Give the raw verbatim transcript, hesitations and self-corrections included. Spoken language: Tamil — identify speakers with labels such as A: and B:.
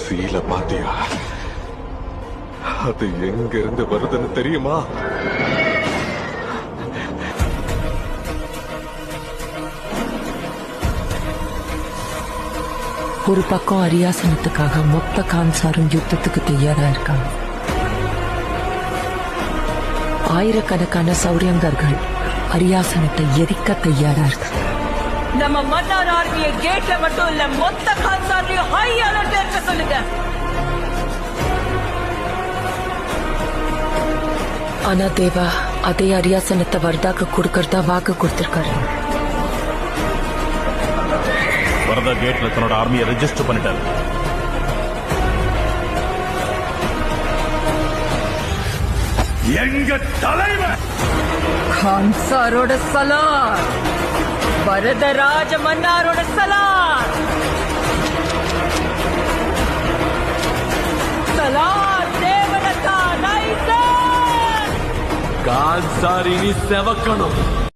A: சீல பாத்தியா? அது எங்க இருந்து வருதுன்னு தெரியுமா?
B: ஒரு பக்கம் அரியாசனத்துக்காக மொத்த கான்சாரும் யுத்தத்துக்கு தயாரா இருக்காங்க. ஆயிரக்கணக்கான சௌரியங்கர்கள் அரியாசனத்தை எரிக்க தயாரா இருக்காங்க.
C: நம்ம மன்னார் ஆர்மியை கேட்ல மட்டும் இல்ல, மொத்த கான்சார்லயும் ஹை அலர்ட் இருக்க சொல்லுங்க.
B: ஆனா தேவா அதே அரியாசனத்தை வர்தாக்கு கொடுக்கறதா வாக்கு கொடுத்திருக்காரு.
D: வரதா கேட்ல தன்னோட ஆர்மியை ரெஜிஸ்டர் பண்ணிட்டாரு. எங்க தலைவர்
C: கான்சாரோட சலார், வரதராஜ மன்னாரோட சலார். சலார் தேவனக்கா ரைசர்.
A: கான்சார் இனி செவக்கணும்.